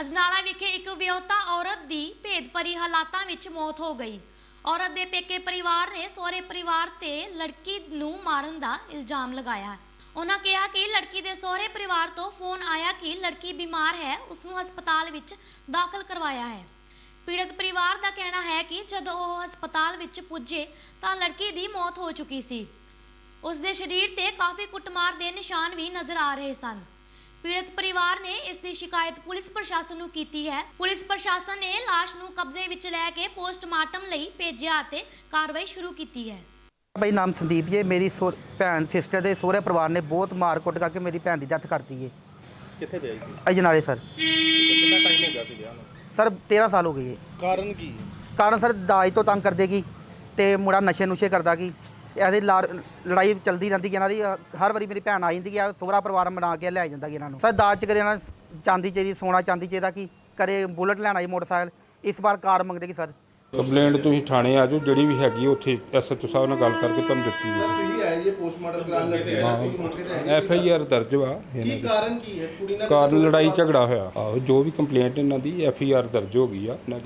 ਅਜਨਾਲਾ ਵਿਖੇ ਇੱਕ ਵਿਆਹੁਤਾ ਔਰਤ ਦੀ ਭੇਦਭਰੀ ਹਾਲਾਤਾਂ ਵਿੱਚ ਮੌਤ ਹੋ ਗਈ। ਔਰਤ ਦੇ ਪੇਕੇ ਪਰਿਵਾਰ ਨੇ ਸਹੁਰੇ ਪਰਿਵਾਰ ਤੇ ਲੜਕੀ ਨੂੰ ਮਾਰਨ ਦਾ ਇਲਜ਼ਾਮ ਲਗਾਇਆ। ਉਹਨਾਂ ਕਿਹਾ ਕਿ ਲੜਕੀ ਦੇ ਸਹੁਰੇ ਪਰਿਵਾਰ ਤੋਂ ਫੋਨ ਆਇਆ ਕਿ ਲੜਕੀ ਬਿਮਾਰ ਹੈ, ਉਸ ਨੂੰ ਹਸਪਤਾਲ ਵਿੱਚ ਦਾਖਲ ਕਰਵਾਇਆ ਹੈ। ਪੀੜਤ ਪਰਿਵਾਰ ਦਾ ਕਹਿਣਾ ਹੈ ਕਿ ਜਦੋਂ ਉਹ ਹਸਪਤਾਲ ਵਿੱਚ ਪੁੱਜੇ ਤਾਂ ਲੜਕੀ ਦੀ ਮੌਤ ਹੋ ਚੁੱਕੀ ਸੀ। ਉਸ ਦੇ ਸਰੀਰ ਤੇ ਕਾਫੀ ਕੁੱਟਮਾਰ ਦੇ ਨਿਸ਼ਾਨ ਵੀ ਨਜ਼ਰ ਆ ਰਹੇ ਸਨ। ਪੀੜਤ ਪਰਿਵਾਰ ਨੇ ਇਸ ਦੀ ਸ਼ਿਕਾਇਤ ਪੁਲਿਸ ਪ੍ਰਸ਼ਾਸਨ ਨੂੰ ਕੀਤੀ ਹੈ। ਪੁਲਿਸ ਪ੍ਰਸ਼ਾਸਨ ਨੇ ਲਾਸ਼ ਨੂੰ ਕਬਜ਼ੇ ਵਿੱਚ ਲੈ ਕੇ ਪੋਸਟਮਾਰਟਮ ਲਈ ਭੇਜਿਆ ਅਤੇ ਕਾਰਵਾਈ ਸ਼ੁਰੂ ਕੀਤੀ ਹੈ। भाई नाम संदीप जी, मेरी भैन सिस्टर के सोहरे परिवार ने बहुत मार कुट करके मेरी भैन की डेथ करती है। कित्थे गए सी? अजनाले सर। कितना टाइम हो गया सी विआह नूं? सर 13 साल हो गए है। कारण की? कारण सर दाज तो तंग कर देगी तो मुड़ा नशे नुशे करदा की ऐसी लड़ाई चलती रहती है। इन्हों हर बारी मेरी भैन आ जाती है, सोहरा परिवार बना के लै जाता इन्हों। सर दाज च करे चांदी चाहिए, सोना चांदी चाहिए कि करे बुलेट लैना जी मोटरसाइकिल, इस बार कार मंगते कि सर ਕੰਪਲੇਂਟ ਤੁਸੀਂ ਥਾਣੇ ਆ ਜਾਓ, ਜਿਹੜੀ ਵੀ ਹੈਗੀ ਉੱਥੇ ਐਸਐਚਓ ਸਾਹਿਬ ਨਾਲ ਗੱਲ ਕਰਕੇ ਤੁਹਾਨੂੰ ਦਿੱਤੀ ਹੈ। ਤੁਸੀਂ ਆਏ ਜੀ ਪੋਸਟਮਾਰਟਮ ਕਰਾਉਣ ਲੱਗੇ ਆ, ਕੁਝ ਮੌਕੇ ਤੇ ਆਏ? ਐਫਆਈਆਰ ਦਰਜ ਵਾ ਕੀ ਕਾਰਨ ਕੀ ਹੈ? ਕੁੜੀ ਨਾਲ ਕਾਰਨ ਲੜਾਈ ਝਗੜਾ ਹੋਇਆ। ਆਹੋ ਜੋ ਵੀ ਕੰਪਲੇਂਟ ਇਹਨਾਂ ਦੀ ਐਫਆਈਆਰ ਦਰਜ ਹੋ ਗਈ ਆ।